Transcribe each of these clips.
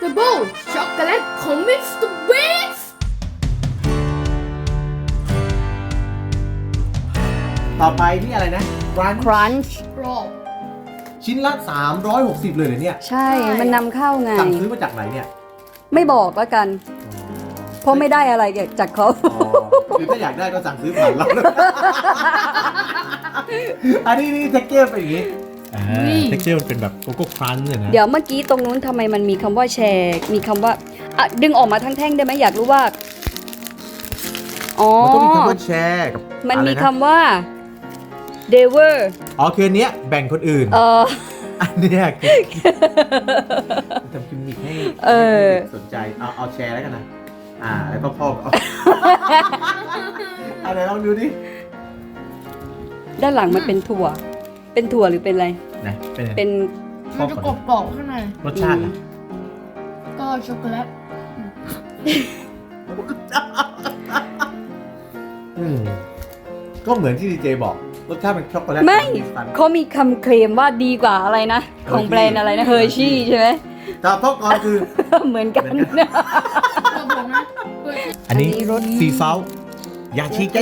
Unstoppable ช็อกโกแลตของ Mr. Beast ต่อไปนี่อะไรนะร้าน Crunch กรอบชิ้นละ360เลยเหรอเนี่ยใช่ มันนำเข้าไงสั่งซื้อมาจากไหนเนี่ยไม่บอกแล้วกัน เพราะไม่ได้อะไรจากเขาอ๋อหรือถ้าอยากได้ก็สั่งซื้อผ่านเราอันนี้นี่เท็กเจอร์เป็นอย่างนี้เท็กเจอร์มันเป็นแบบโกโก้ครันช์เนี่ยนะเดี๋ยวเมื่อกี้ตรงนู้นทำไมมันมีคำว่าแชร์ มีคำว่าอ่ะดึงออกมาทั้งแท่งได้ไหมอยากรู้ว่า อ๋อมันต้องมีคำว่าแชร์กับมันมีอะไระคำว่า d e v e r อ๋อคืออันเนี้ยแบ่งคนอื่น อันเนี้ยคือทำกิมมิคให้เด็กสนใจเอาแชร์แล้วกันนะแล้วก็พ่อเอาอะไรลองดูดิด้านหลังมันเป็นถั่ว เป็นถั่วหรือเป็นอะไรนะเป็นเป็นมันจะกรอบๆข้างในรสชาติอะก็ช็อกโกแลตก็เหมือนที่ดีเจบอกรสชาติเป็นช็อกโกแลตไม่สันเขามีคำเคลมว่าดีกว่าอะไรนะ ของแบรนด์อะไรนะเฮอร์ชี่ใช่ไหมแต่พ่อก่อนคือเหมือนกันกระบอกนะอันนี้อันนี้รสซีเซาอย่าชิก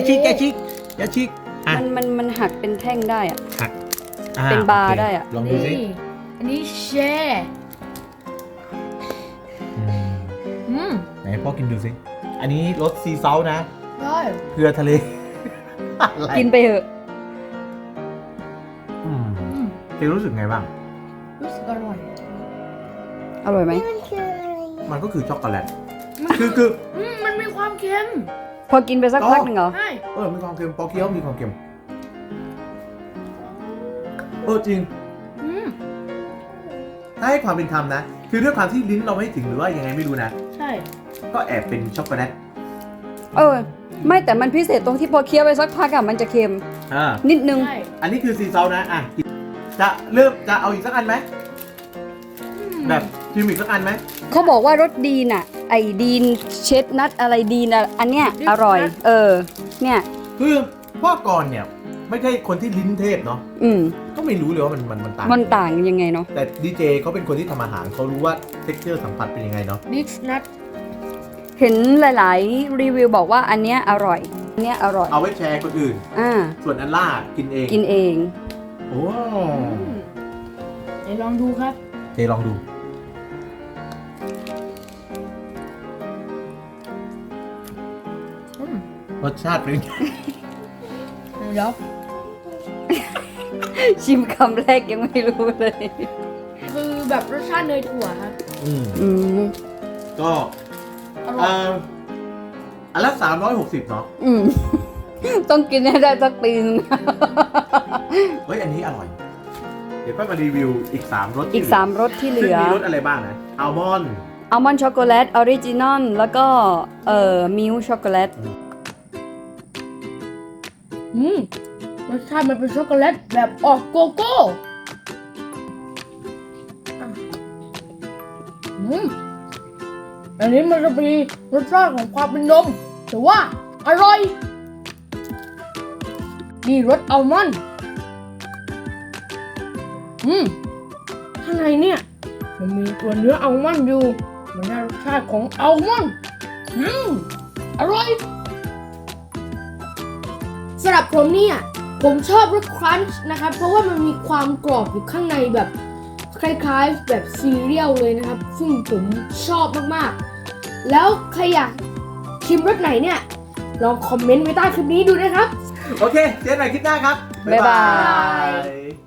มันหักเป็นแท่งได้อะหักเป็นบาร์โอคได้อะลองดูสินี่อันนี้แชร์ไหนพ่อกินดูสิอันนี้รสซีเซานะได้เกลือทะเลอะไรกินไปเถอะเจรู้สึกไงบ้างรู้สึกอร่อยอร่อยไหมมันก็คือช็อกโกแลตมันคือมันมีความเค็มพอกินไปสักพักหนึ่งเหรอใช่มีความเค็มพอเคี้ยวมีความเค็มจริงอืมถ้าให้ความเป็นธรรมนะ คือด้วยความที่ลิ้นเราไม่ถึงหรือว่ายังไงไม่รู้นะใช่ก็แอบเป็นช็อกโกแลตไม่แต่มันพิเศษตรงที่พอเคี้ยวไปสักพักอะมันจะเค็ม นิดนึงใช่อันนี้คือซีเซานะจะเอาอีกสักอันไหมแบบชิมอีกสักอันไหมเขาบอกว่ารสดีนอะไอดีนเชดนัทอะไรดีนอะอันเนี้ยอร่อย เนี่ยคือพ่อก่อนเนี่ยไม่ใช่คนที่ลิ้นเทพเนาะ ก็ไม่รู้เลยว่ามันต่างมันต่างยังไงเนาะแต่ดีเจเขาเป็นคนที่ทำอาหารเขารู้ว่าเท็กเจอร์สัมผัสเป็นยังไงเนาะดิชนัทเห็นหลายๆรีวิวบอกว่าอันเนี้ยอร่อย อันเนี้ยอร่อยเอาไว้แชร์คนอื่น ส่วนอันล่ากินเองกินเองโอ้เดี๋ยวลองดูครับเจลองดู รสชาติเป็นยังไงเดี๋ยวชิมคำแรกยังไม่รู้เลยคือแบบรสชาติเนยถั่วครับก็อร่อยอันละ360เนาะต้องกินให้ได้สักปีนึงเฮ้ยอันนี้อร่อย เดี๋ยวค่อยมารีวิวอีก3รสอีก3รสที่เหลืซึ่งอมีรสอะไรบ้างนะอัลมอนด์อัลมอนด์ช็อกโกแลตออริจินอลแล้วก็มิลช็อกโกแลตรสชาติมันเป็นช็อกโกแลตแบบออกโกโก้อันนี้มันจะมีรสชาติของความเป็นนมแต่ว่าอร่อยนี่รสอัลมอนด์ข้างในเนี่ยมันมีตัวเนื้ออัลมอนด์อยู่มันได้รสชาติของอัลมอนด์อร่อยสำหรับผมเนี่ยผมชอบรสครันช์นะครับเพราะว่ามันมีความกรอบอยู่ข้างในแบบคล้ายๆแบบซีเรียลเลยนะครับซึ่งผมชอบมากๆแล้วใครอยากชิมรสไหนเนี่ยลองคอมเมนต์ไว้ใต้คลิปนี้ดูนะครับโอเค เจอกันใหม่คลิปหน้าครับบ๊ายบายย